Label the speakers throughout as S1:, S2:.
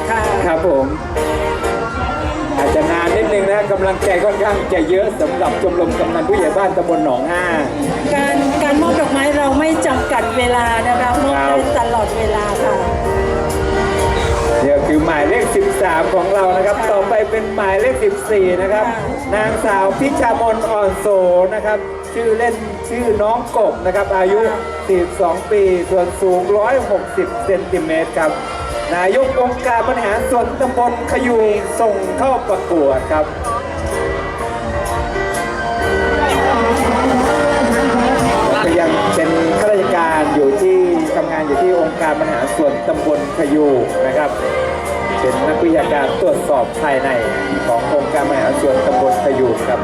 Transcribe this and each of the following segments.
S1: ค่ะ
S2: ครับผมอาจจะนานนิดนึงนะกำลังใจค่อนข้างจะเยอะสำหรับชมรมกำนันผู้ใหญ่บ้านตำบลหนองห้า
S1: การมอบดอกไม้เราไม่จำกัดเวลานะคะมอบได้ตลอดเวลาค่ะ
S2: เดี๋ยวคือหมายเลข13ของเรานะครับต่อไปเป็นหมายเลข14นะครับนางสาวพิชามนอ่อนโสนะครับชื่อเล่นชื่อน้องกบนะครับอายุ42ปีส่วนสูง160เซนติเมตรครับนายกองค์การบริหารส่วนตำบลขยูงส่งเข้าประกวดครับก็ยังเป็นข้าราชการอยู่ที่ทำงานอยู่ที่องค์การบริหารส่วนตำบลขยูงนะครับเป็นนักวิชาการตรวจสอบภายในขององค์การบริหารส่วนตำบลขยูงครับ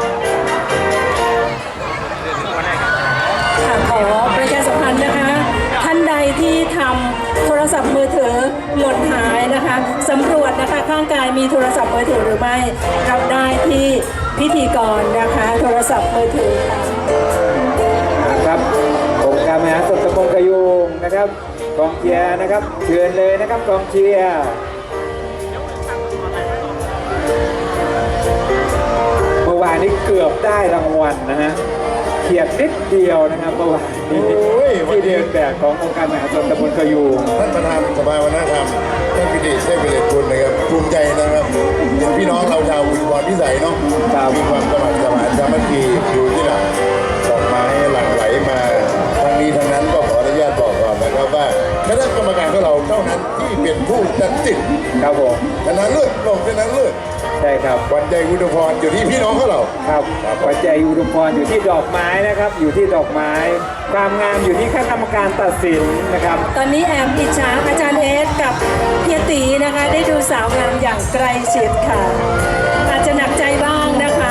S1: ขอประชาสัมพันธ์นะคะท่านใดที่ทำโทรศัพท์มือถือหล่นหายนะคะสำรวจนะคะข้างกายมีโทรศัพท์มือถือหรือไม่รับได้ที่พิธีกรนะคะโทรศัพท์มือถือค่ะ
S2: ครับองค์การบริหารส่วนตำบลขยูงนะครับกองเชียร์นะครับเชิญเลยนะครับกองเชียร์เมื่อวานนี้เกือบได้รางวัลนะฮะเขียดนิดเดียวนะครับเมื่อวานนี้ที่เดินแบบขององค์การบริหารส่วนตำบลขยูง
S3: ท่านประธานสภาวัฒนธรรมท่านปิติเทพวิเลศกุลนะครับภูมิใจนะครับเห็นพี่น้องเราชาวอุบลพิสัยเนาะมีความสมัครสมานสามัคคีอยู่ที่หลังดอกไม้หลั่งไหลมาทั้งนี้ทั้งนั้นก็ขออนุญาตบอกก่อนนะครับว่าคณะกรรมการของเราเท่านั้นที่เป็นผู้ตัดสิน
S2: ครับผม
S3: ชนะเลิศลงชนะเลิศ
S2: ใช่ครับ
S3: วันใจอุดมพรอยู่ที่พี่น้องของเรา
S2: ครับวันใจอุดมพรอยู่ที่ดอกไม้นะครับอยู่ที่ดอกไม้ความงามอยู่ที่คณะกรรมการตัดสินนะครับ
S1: ตอนนี้แอมอิจฉาอาจารย์เอสกับเฮียตีนะคะได้ดูสาวงามอย่างใกล้ชิดค่ะอาจจะหนักใจบ้างนะคะ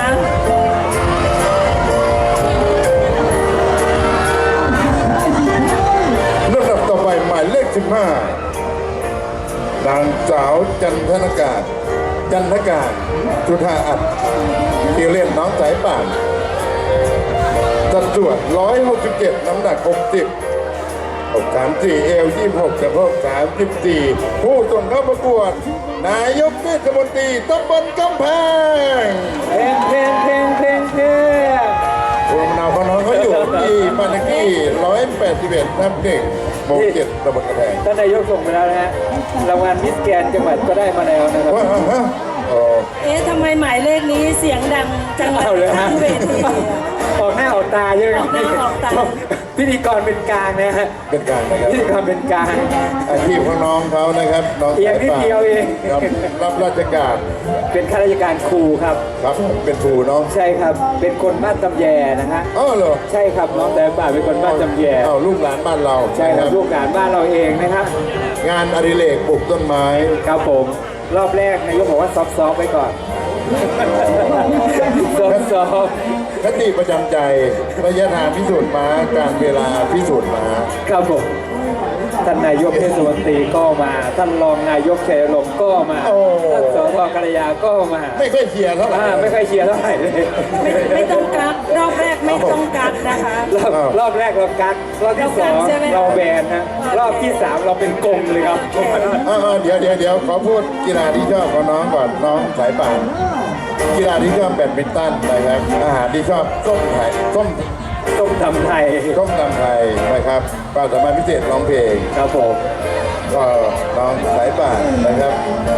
S3: ลำดับต่อไปหมายเลข15นางสาวจันทการจุธาอัดเรียกเล่นน้องสายป่านสัดส่วน167น้ำหนัก64เอว26กับ34ผู้ส่งเข้าประกวดนายกเทศมนตรีตำบลกำแพง
S2: เพลง
S3: ภูมิลำเนาของน้องเขาอยู่ที่บ้านเลขที่181ทับ1หมู่7ตำบลกำแพง
S2: ท่านนายกส่งไปแล้วนะฮะรางวัลมิสแกรนด์จังหวัดก็ได้มาแล้วนะครับ
S1: ทำไมหมายเลขนี้เสียงดังจังเลยทั้งเวที
S2: ออกหน้าออกตาเยอะพิธีกรเป็นกลางนะฮะ
S3: เป็นกลางนะครับ
S2: พิธีกรเป็นกลาง
S3: อาชีพของน้องเขานะครับน้อง
S2: เอียงนิดเดียวเอง
S3: รับราชการ
S2: เป็นข้าราชการครูครับ
S3: ครับเป็นครูน้อง
S2: ใช่ครับเป็นคนบ้านตำแยนะฮะ
S3: อ๋อเหรอ
S2: ใช่ครับน้องแต่ป่าเป็นคนบ้านตำแย
S3: ลูกหลานบ้านเรา
S2: ใช่ครับลูกหลานบ้านเราเองนะครับ
S3: งานอดิเรกปลูกต้นไม้
S2: ครับผมรอบแรกนายกบอกว่าซอฟๆไปก่อนซอฟ
S3: คติประจำใจระยะทางพิสูจน์ม้าการเวลาพิสูจน์ม้า
S2: ครับผมท่านนายกเทศมนตรีก็มาท่านรองนายกชัยลมก็มาท่านสสกัลยาก็มา
S3: ไม่ค่อยเชียร์เท่าไหร่
S2: ไม่ค่อยเชียร์เท่าไหร่เลย
S1: ไม่ต้องกักรอบแรกไม่ต้องกักนะคะ
S2: รอบแรกเรากักรอบที่2เราแบนนะรอบที่3เราเป็นกงเลยครับ
S3: เดี๋ยวขอพูดกีฬาที่ชอบของน้องก่อนน้องสายป่านกีฬาที่ชอบแบดมินตันนะครับอาหารที่ชอบส้ม
S2: ตำไทย
S3: นะครับความสามารถพิเศษร้องเพลง
S2: ครับผม
S3: ก็น้องสายป่านนะครับ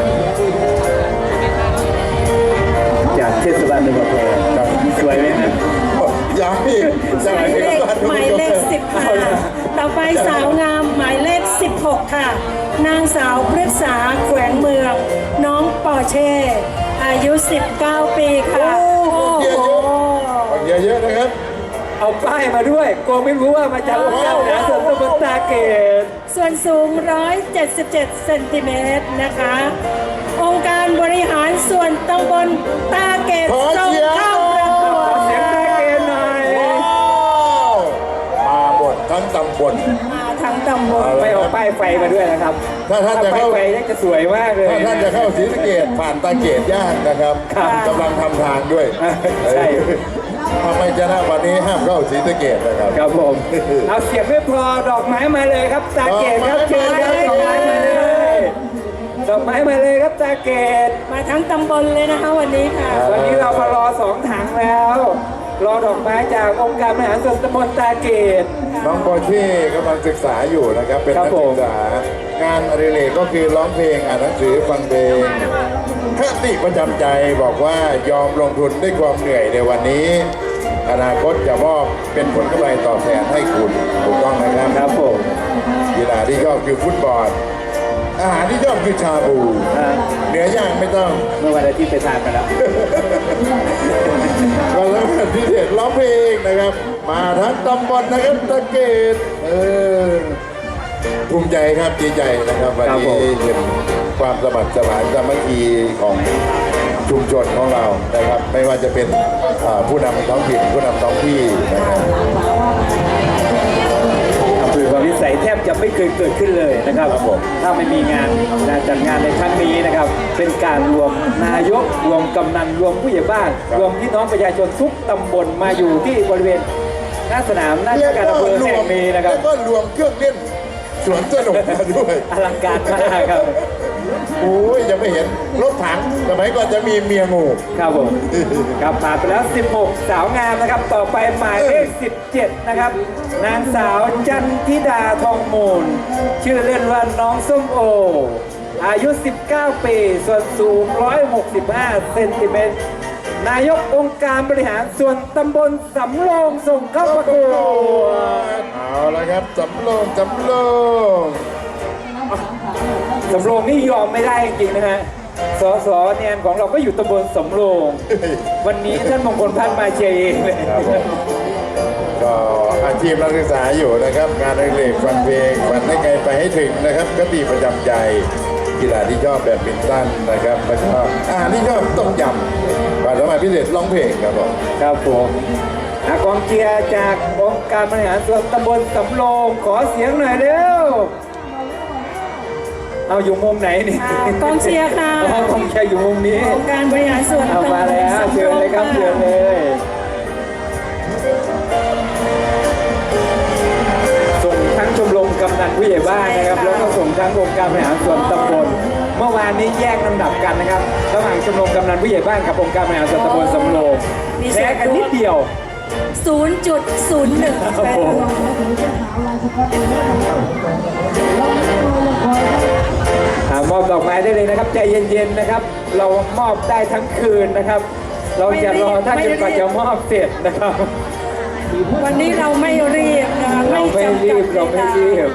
S2: จากเทศบาลตำบลครับสวยไหมครับ
S3: อยากพี่
S1: หมายเลข15ต่อไปสาวงามหมายเลข16ค่ะนางสาวพฤกษาแขวงเมืองน้องปอเช่อายุ19ปีค่ะ
S3: เยอะนะครับ
S2: เอาป้ายมาด้วยกลัวไม่รู้ว่ามาจากองค์การบริหารส่วนตำบลตาเกต
S1: ส่วนสูง177เซนติเมตรนะคะองค์การบริหารส่วนตำบลตาเกตส่งเข้าประกวด
S2: เสียงตาเกตหน่อย
S3: มาหมดทั้งตำบล
S2: ไม่เอาป้ายไฟมาด้วยนะครับ
S3: ถ้าจะเข้า
S2: ไฟจะสวยมากเลย
S3: ถ้าท่านจะเข้าศรีสะเกษผ่านตาเกตยากนะครับกำลังทำทางด้วย
S2: ใช่
S3: ทำไมจะได้วันนี้ห้ามเข้าศรีสะเกษนะครับ
S2: ครับผมเอาเสียงไม่พอดอกไม้มาเลยครับตาเกตครับเชิญครับดอกไม้มาเลยดอกไม้มาเลยครับตาเกต
S1: มาทั้งตำบลเลยนะคะวันนี้ค่ะ
S2: วันนี้เรามารอ2 ถังแล้ว รอดอกไม้จากองค์การบริหารส่วนตำบลตาเกต
S3: น้องปอร์เช่กำลังศึกษาอยู่นะครับเป็น
S2: ครั
S3: นั
S2: บ
S3: ก
S2: ผม
S3: ศึกษางานอดิเรกก็คือร้องเพลงอ่านหนังสือฟังเพลงคติประจำใจบอกว่ายอมลงทุนด้วยความเหนื่อยในวันนี้ อนาคตจะมอบเป็นผลกำไรตอบแทนให้คุณถูกต้องนะครับ
S2: ครับผม
S3: กีฬาที่ชอบคือฟุตบอลอาหารที่ชอบคือชาบู เนื้อย่างไม่ต้อง
S2: เมื่อวันอาทิตย์ไปทานมาแล้ว
S3: วันละพิเศษร้องเพลงนะครับ มาทั้งตำบลนะครับตะเกตภูมิใจครับดีใจนะครับวัน
S2: ครับผ
S3: นี้
S2: ม
S3: เห็นความสมัครสมานสามัคคีของชุมชนของเรานะครับ ไม่ว่าจะเป็นผู้นำท้องถิ่นผู้นำท้องที่นะครับ
S2: อำเภอพาวิสัยแทบจะไม่เคยเกิดขึ้นเลยนะครับ
S3: ครับผม
S2: ถ้าไม่มีงานจัดงานในครั้งนี้นะครับ เป็นการรวมนายกรวมกำนันรวมผู้ใหญ่บ้าน รวมพี่น้องประชาชนทุกตำบลมาอยู่ที่บริเวณหน้าสนามหน้าการอำเภอแห่งนี้นะครับ
S3: แล้วก็รวมเครื่องเล่นสวนสนุกมาด้วย
S2: อลังการมากครับ
S3: โอ้ยจะไม่เห็นรถถังสมัยก่อนจะมีเมียงู
S2: ครับผมครับผ่านไปแล้ว 16 สาวงามนะครับ ต่อไปหมายเลข 17 นะครับ นางสาวจันทิดาทองมูล ชื่อเล่นว่าน้องส้มโอ อายุ 19 ปี ส่วนสูง 165 เซนติเมตร นายกองค์การบริหารส่วนตำบลสำโรงส่งเข้าประกวด
S3: เอาละครับสำโรงสำโรง
S2: สำโรงนี่ยอมไม่ได้จริงๆนะฮะ สสแนนของเราก็อยู่ตำบลสำโรง วันนี้ท่านมงคลพัฒน์มาเชียร์เองเลย
S3: ครับผมก็อาชีพนักศึกษาอยู่นะครับ งานอดิเรกฟังเพลงฝันให้ไกลไปให้ถึงนะครับก็ตีประจำใจกีฬาที่ชอบแบบมินตันนะครับแล้วก็อาหารที่ชอบต้มยำความสามารถพิเศษร้องเพลงครับผม
S2: ครับผมกองเชียร์จากองค์การบริหารส่วนตำบลสำโรงขอเสียงหน่อยเร็ว เอาอยู่มุมไหนนี่
S1: กองเชียร์ค่ะ
S2: อ๋อกองเชียร์อยู่มุมนี้
S1: องค์การบริหารส่วน
S2: เอา
S1: ตำบ
S2: มา
S1: ล
S2: แล้ว
S1: สำ
S2: เชิ
S1: โร
S2: ญ
S1: ง
S2: เลยครับ
S1: ค่ะ
S2: เชิญเลย ส่งทั้งชมรมกำนันผู้ใหญ่บ้านนะครับ แล้วก็ส่งทั้งองค์การบริหารส่วนตำบลเมื่อวานนี้แยกลำดับกันนะครับระหว่างชมรมกำนันผู้ใหญ่บ้านกับองค์การบริหารส่วนตำบลสำโรงแพ้กันนิดเดียว
S1: 0.01
S2: ครับผม มอบดอกไม้ได้เลยนะครับใจเย็นๆนะครับ เรามอบได้ทั้งคืนนะครับ เราจะรอท่านจนกว่าจะมอบเสร็จนะครับ
S1: วันนี้เราไม่รีบนะคะ
S2: เราไม่
S1: จำ
S2: รี
S1: กัด
S2: บเราไม่รีบ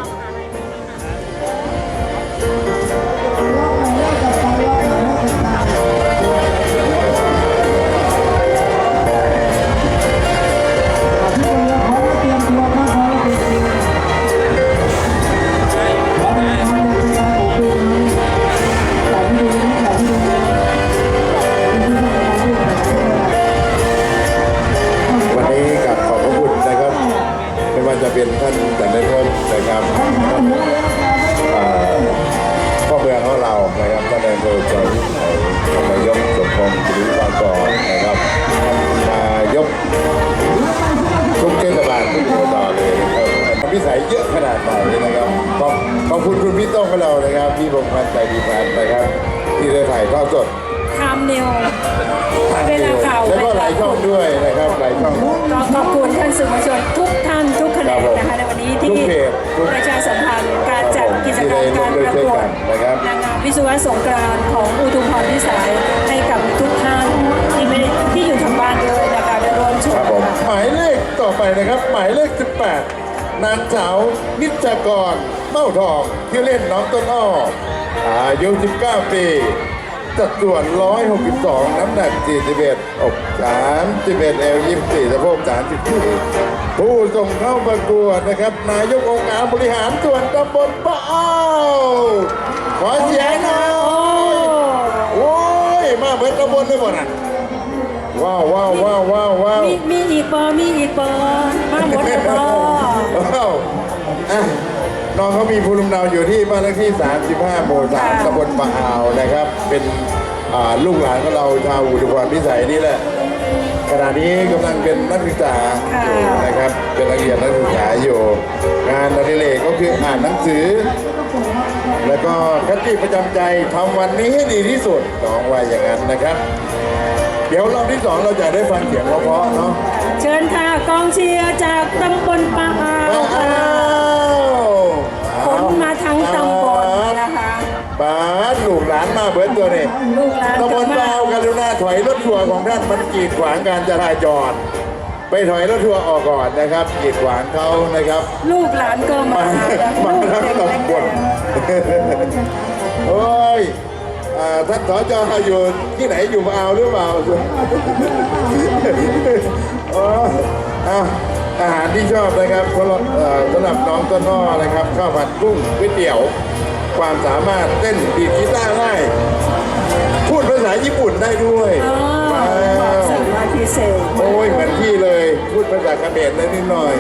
S3: วันนี้กับขอบพระคุณนะครับ ไม่ว่าจะเป็นท่านแต่ในพลนะครับพ่อเมืองของเรานะครับท่านนายอำเภอใจนายกสมพงศ์ศิริปากรนะครับนายกทุกเทศบาลทุกอบตเลยนะครับพิสัยเยอะขนาดไหนนะครับขอบคุณคุณพี่โต้งของเรานะครับพี่พงษ์พันธ์ใจดีพันธ์นะครับ ที่ได้ถ่ายทอดสด
S1: ไทม์นิวเวลาข่าว
S3: แล้วก็หลายช่องด้วยนะครับหลายช่อง
S1: ก็ขอบคุณท่านสื่อมวลชนทุกท่านทุกแขนงนะคะในวันนี้ที่
S3: ทุกเพจทุก
S1: ประชาสัมพันธ์การจัดกิจกรรมการประกวด
S3: นะครับ
S1: นางงามวิศวะสงกรานต์ของอุทุมพรพิสัยให้กับทุกท่านที่อยู่ทางบ้านด้วยนะคะได้ร่วมช
S3: ค
S1: ม
S3: รับผม
S1: ค่ะ
S3: หมายเลขต่อไปนะครับ หมายเลข 18 นางสาวนิจกรเม้าทองที่อเล่นน้องต้นอ้ออายุ 19 ปีสัดส่วน 162 น้ำหนัก 41 อก31เอว24สะโพก34ผู้ส่งเข้าประกวดนะครับ นายกองค์การบริหารส่วนตำบลปะอ้าวขอเสียงหน่อยโอ้ยมาเบิดตำบลได้หมดอ่ะว้าวว้าวว้าวว้าวว้าว
S1: มีอีกบอมีอีกบอมาหมดแล้วบอ
S3: ว้าวอ่ะน้องเขามีภูมิลำเนาอยู่ที่บ้านเลขที่ 35 หมู่ 3 ตำบลปะอ่าวนะครับ เป็นลูกหลานของเราชาวอุดรพิสัยนี่แหละ ขณะนี้กำลังเป็นนักศึกษาอยู่นะครับ เป็นนักเรียนนักศึกษาอยู่ งานอดิเรกก็คืออ่านหนังสือแล้วก็คติประจำใจทำวันนี้ให้ดีที่สุดน้องว่าอย่างนั้นนะครับ เดี๋ยวรอบที่ 2เราจะได้ฟังเสียงเพราะๆเนาะ
S1: เชิญค่ะกองเชียร์จากตำบลปะอาว
S3: ว้า
S1: ค่ะ
S3: ว
S1: ขนมาทั้งตำบลนะคะ
S3: ป้าดลูกหลานมาเบิดตัวนี่
S1: ลูกหลาน
S3: ตำบล
S1: จะมา
S3: ปาวกรุณาถอยรถทัวร์ของท่านมันกีดขวางการจราจร ไปถอยรถทัวร์ออกก่อนนะครับกีดขวางเขานะครับ
S1: ลูกหลานก็มา
S3: มาทั้งตำบลโอ้ยท่านสจอยู่ที่ไหนอยู่มาเอาหรือเปล่าอ๋ออาหารที่ชอบนะครับสำหรับน้องต้นอ้อนะครับข้าวผัดกุ้งก๋วยเตี๋ยว ความสามารถเต้นดีดกีตาร์ได้พูดภาษาญี่ปุ่นได้ด้วย
S1: อ๋อความสามารถพิเศษ
S3: โอ้ยเหมือนพี่เลย พูดภาษาเขมรได้นิดหน่อย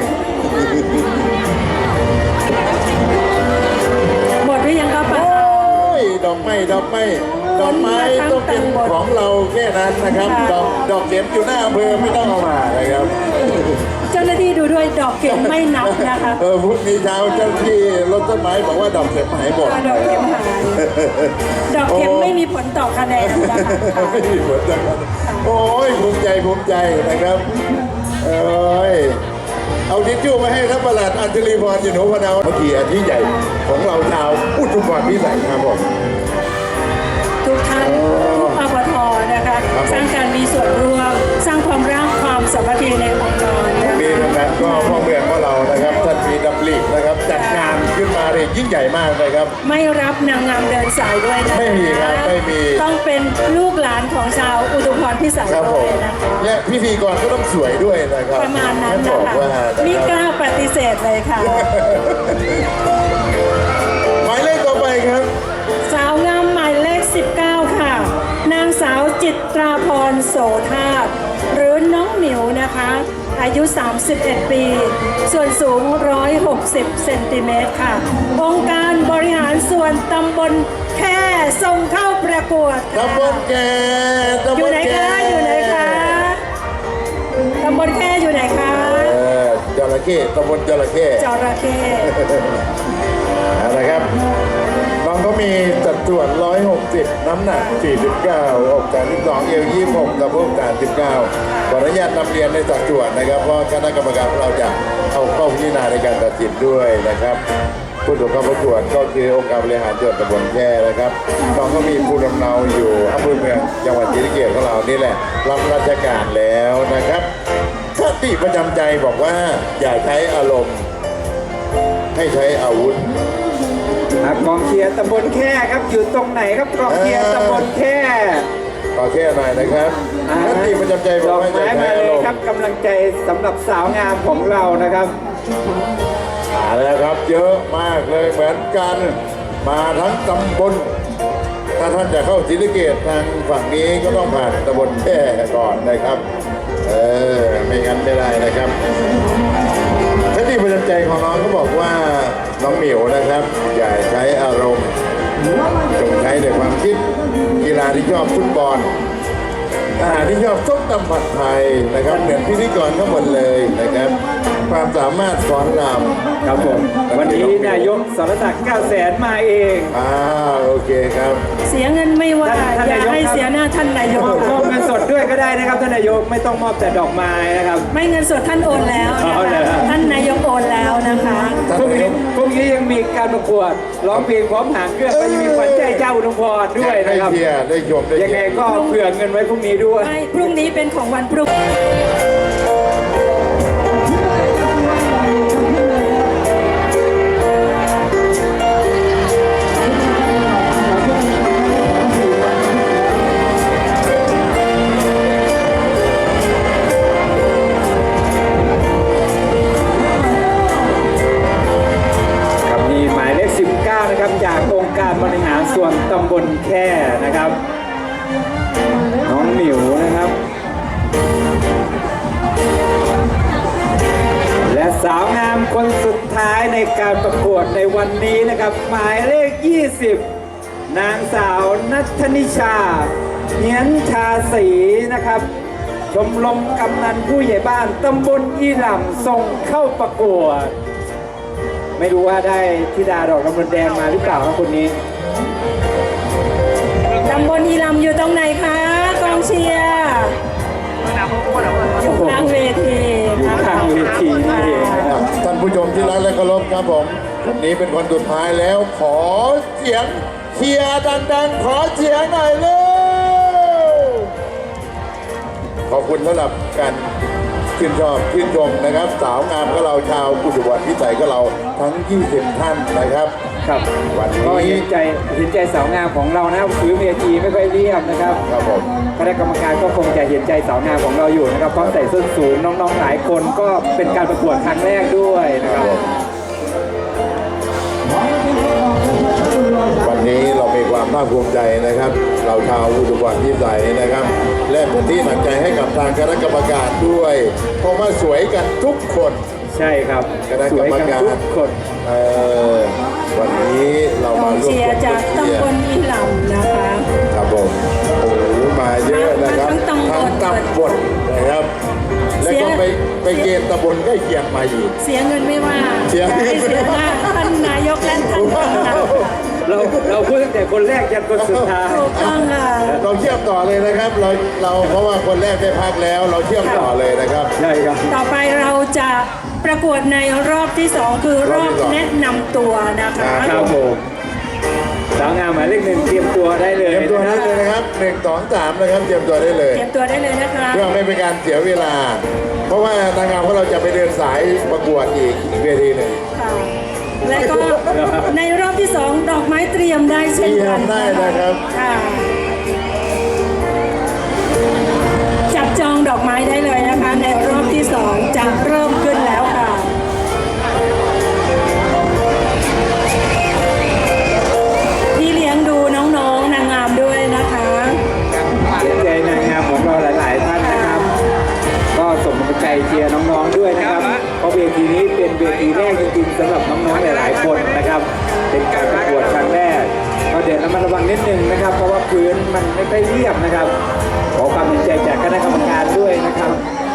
S1: หมดหรือยังครับป้า
S3: โอ้ยดอกไม้ต้องเป็นของเราแค่นั้นนะครับ ดอกเข็มอยู่หน้าอำเภอไม่ต้องเอามานะครับ
S1: เจ้าหน้าที่ดูด้วยดอกเข็มไม่นับนะคะ
S3: พรุ่งนี้เช้าเจ้าที่รถต้นไม้บอกว่าดอกเข็มหายหมด
S1: ดอกเข็มหายดอกเข็มไม่มีผลต่อคะแนนนะคะ
S3: ไม่มีผลจังโอ้ยภูมิใจนะครับเอ้ยเอาทิชชู่มาให้ท่านประหลัดอัญชลีพรอยู่หนูพนาวเมื่อกี้อันที่ใหญ่ของเราชาวอุทุมพรพิสัยครับผม
S1: ทุกท่านทุกอบทนะคะ
S3: ครับผม
S1: สร้างการมีส่วนร่วม สร้างความรักความสามัคคีในองค์กรนะ
S3: มี
S1: คะ
S3: เหมือนกันก็พ่อเมืองของเรานะครับท่านมีดำรินะครับจัดงานขึ้นมาเลยยิ่งใหญ่มากเลยครับ
S1: ไม่รับนางงามเดินสายด้วยนะคะ
S3: ไม่มีครับไม่มี
S1: ต้องเป็นลูกหลานของชาวอุทุมพรพิสัย
S3: ครับผ
S1: ด้ว
S3: ม
S1: ยนะคะ
S3: และพิธีกรก็ต้องสวยด้วยนะครับ
S1: ประมาณนั้น
S3: บ
S1: นะ
S3: อก
S1: คะ
S3: ว่า
S1: ไม่กล้าปฏิเสธเลยค่ะ
S3: หมายเลขต่อไปครับ
S1: สาวงามหมายเลข 19 ค่ะ นางสาวจิตราพรโสธาตุหรือน้องหมิวนะคะ อายุ 31 ปี ส่วนสูง 160 เซนติเมตรค่ะ องค์การบริหารส่วนตำบลแค่ส่งเข้าประกวดค่ะ
S3: ตำบลแก
S1: อยู่ไหนคะ อยู่ไหนคะตำบลแค่อยู่ไหนคะ
S3: จระเข้ตำบลจระเข้
S1: จระเข้
S3: นะครับน้องก็มีสัดส่วน160 น้ำหนัก 49อก32เอว26สะโพก39ขออนุญาตนำเรียนในสัดส่วนนะครับเพราะคณะกรรมการของเราจะเอาเข้าพิจารณาในการตัดสินด้วยนะครับผู้ถูกเข้าประกวดก็คือองค์การบริหารส่วนตำบลแค่นะครับน้องก็มีภูมิลำเนาอยู่อำเภอเมืองจังหวัดศรีสะเกษของเรานี่แหละรับราชการแล้วนะครับคติประจำใจบอกว่าอย่าใช้อารมณ์ให้ใช้อาวุธ
S2: กองเชียร์ตำบลแค่ครับอยู่ตรงไหนครับกองเชียร์ตำบลแค่
S3: ขอแค่หน่อยนะครับคติประจำใจบ
S2: ด
S3: อก
S2: อก
S3: ว่าอย่า
S2: ไม้
S3: ใช้
S2: มา
S3: อา
S2: เล
S3: ร
S2: ย
S3: มณ์
S2: ครับกำลังใจสำหรับสาวงามของเรานะครับ
S3: มาแล้วครับเยอะมากเลยเหมือนกันมาทั้งตำบลถ้าท่านจะเข้าศรีสะเกษทางฝั่งนี้ก็ต้องผ่านตำบลแค่ก่อนนะครับไม่งั้นไม่ได้นะครับคติประจำใจของน้องเขาบอกว่าน้องหมิวนะครับ อย่าใช้อารมณ์จงใช้แต่ความคิดกีฬาที่ชอบฟุตบอลอาหารที่ชอบส้มตำผัดไทยนะครับเหมือนพิธีกรทั้งหมดเลยนะครับ ความสามารถฟ้อนรำ
S2: ครับผมวันนี้นายกสรศักดิ์900,000มาเอง
S3: โอเคครับ
S1: เสียเงินไม่ว่า
S2: ท่าน
S1: อย่าให้
S2: นายกครับ
S1: เสียหน้าท่านนายก
S2: มอบเงินสดด้วยก็ได้นะครับท่านนายกไม่ต้องมอบแต่ดอกไม้นะครับ
S1: ไม่เงินสดท่านโอนแล้วนะ
S2: เอาเลย
S1: คะ
S2: ครับ
S1: ท่านนายกโอนแล้วนะคะ
S2: พรุ่งนี้ยังมีการประกวดร้องเพลงพร้อมหางเครื่องก็ยังมีขวัญใจเจ้าอุดมพรด้วย
S3: ได้
S2: นะครับ
S3: เชียร์ได้ชมได้
S2: ยัง
S3: เชี
S2: ไง
S3: ยร์
S2: ก็เผื่อเงินไว้พรุ่งนี้ด้วย
S1: ไม่พรุ่งนี้เป็นของวันพรุ่ง
S2: ครับมีหมายเลข 19 นะครับจากองค์การบริหารส่วนตำบลแค่นะครับ น้องหมิวนะครับ และสาวงามคนสุดท้ายในการประกวดในวันนี้นะครับ หมายเลข 20 นางสาวนัทนิชาเนียนชาศรีนะครับ ชมรมกำนันผู้ใหญ่บ้านตำบลอีหล่ำส่งเข้าประกวด แหมไม่รู้ว่าได้ธิดาดอกลำดวนแดงมาหรือเปล่าครับคนนี้
S1: ตำบลอีลำอยู่ตรงไหนคะกองเชียร์อยู่กลางเวที
S2: อยู่
S1: นะ
S2: ข้า
S1: คะ
S2: งเวทีนี่เองนะครับ
S3: ท่านผู้ชมที่รักและเคารพครับผมวันนี้เป็นคนสุดท้ายแล้วขอเสียงเชียร์ดังๆขอเสียงหน่อยเร็วขอบคุณสำหรับการชื่นชอบชื่นชมนะครับ สาวงามก็เราชาวกุฎวัฒน์พิสัยก็เราทั้ง 20 ท่านนะครับ
S2: ครับ
S3: วันนี้
S2: ก็เห็นใจสาวงามของเรานะครับพื้นเวทีไม่ค่อยเรียบนะครับ
S3: ครับผม
S2: คณะกรรมการก็คงจะเห็นใจสาวงามของเราอยู่นะครับเพราะใส่ส้นสูงน้องๆหลายคนก็เป็นการประกวดครั้งแรกด้วยนะครับ
S3: วันนี้เรามีความภาคภูมิใจนะครับ เราชาวกุฎวัฒน์พิสัยนะครับ และเป็นที่หนักใจให้กับทางคณะกรรมการด้วยเพราะว่าสวยกันทุกคน
S2: ใช่ครับ
S3: คณะ
S2: ส
S3: กร
S2: วย
S3: รม
S2: กัน
S3: การ
S2: ทุกคน
S3: วันนี้เรา
S1: กอ
S3: มาง ร่วม
S1: เชียร์จาก
S3: เชีย
S1: ตำบ
S3: ร์
S1: ลอีลำนะคะ
S3: ครับผมโอ้โหมาเยอะนะครับ
S1: ทั้งตำบล
S3: ทั้งตำบลนะครับ แล้วก็ไปเกณฑ์ตำบลใกล้เคียงมาอีก
S1: เสียเงินไม่ว่า
S3: เสีย
S1: จะให้เสียหน้าท่านนายกและท่านกำนัน
S2: เราพูดตั้งแต่คนแรกยันคนสุดท้าย
S1: ถูกต้องค่ะ
S3: เราเชื่อมต่อเลยนะครับ เราเพราะว่าคนแรกได้พักแล้ว เราเชื่อมต่อเลยนะครับ
S2: ใช่ครับ
S1: ต่อไปเราจะประกวดในรอบที่ 2 คือรอบแนะนำตัวนะคะ
S2: ครับผมสาวงามหมายเลขหนึ่งเตรียมตัวได้เลย
S3: เตรียมตัวได้เลยนะครับ1 2 3นะครับเตรียมตัวได้เลย
S1: เตรียมตัวได้เลยนะคะ
S3: เพื่อไม่เป็นการเสียเวลา เพราะว่านางงามของเราจะไปเดินสายประกวดอีกเวทีหนึ่ง
S1: ค่ะและก็ในรอบที่ 2 ดอกไม้เตรียมได้เช่นกัน
S3: เตรียมได้นะครับ
S1: ค่ะจับจองดอกไม้ได้เลยนะคะ ในรอบที่ 2 จะเริ่มขึ้นแล้วค่ะ ที่เลี้ยงดูน้องๆนางงามด้วยนะคะ
S2: เห็นใจนางงามของเราหลายๆท่านนะครับ ก็ส่งกำลังใจเชียร์น้องๆด้วยนะครับเพราะเวทีนี้เป็นเวทีแรกจริงๆสำหรับน้องๆหลายๆคนนะครับ เป็นการประกวดครั้งแรกก็เดี๋ยวระมัดระวังนิดนึงนะครับ เพราะว่าพื้นมันไม่ค่อยเรียบนะครับ ขอความเห็นใจจากคณะกรรมการด้วยนะครับ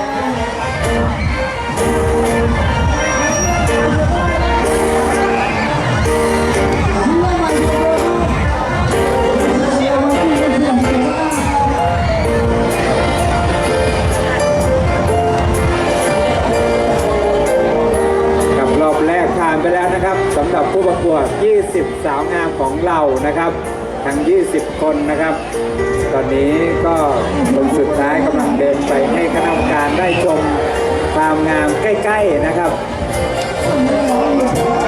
S2: กับรอบแรกผ่านไปแล้วนะครับสำหรับผู้ประกวด 20 สาวงามของเรานะครับ ทั้ง 20 คนนะครับ ตอนนี้ก็คนสุดท้ายกำลังเดินไปให้คณะกรรมการได้ชมความงามใกล้ๆนะครับ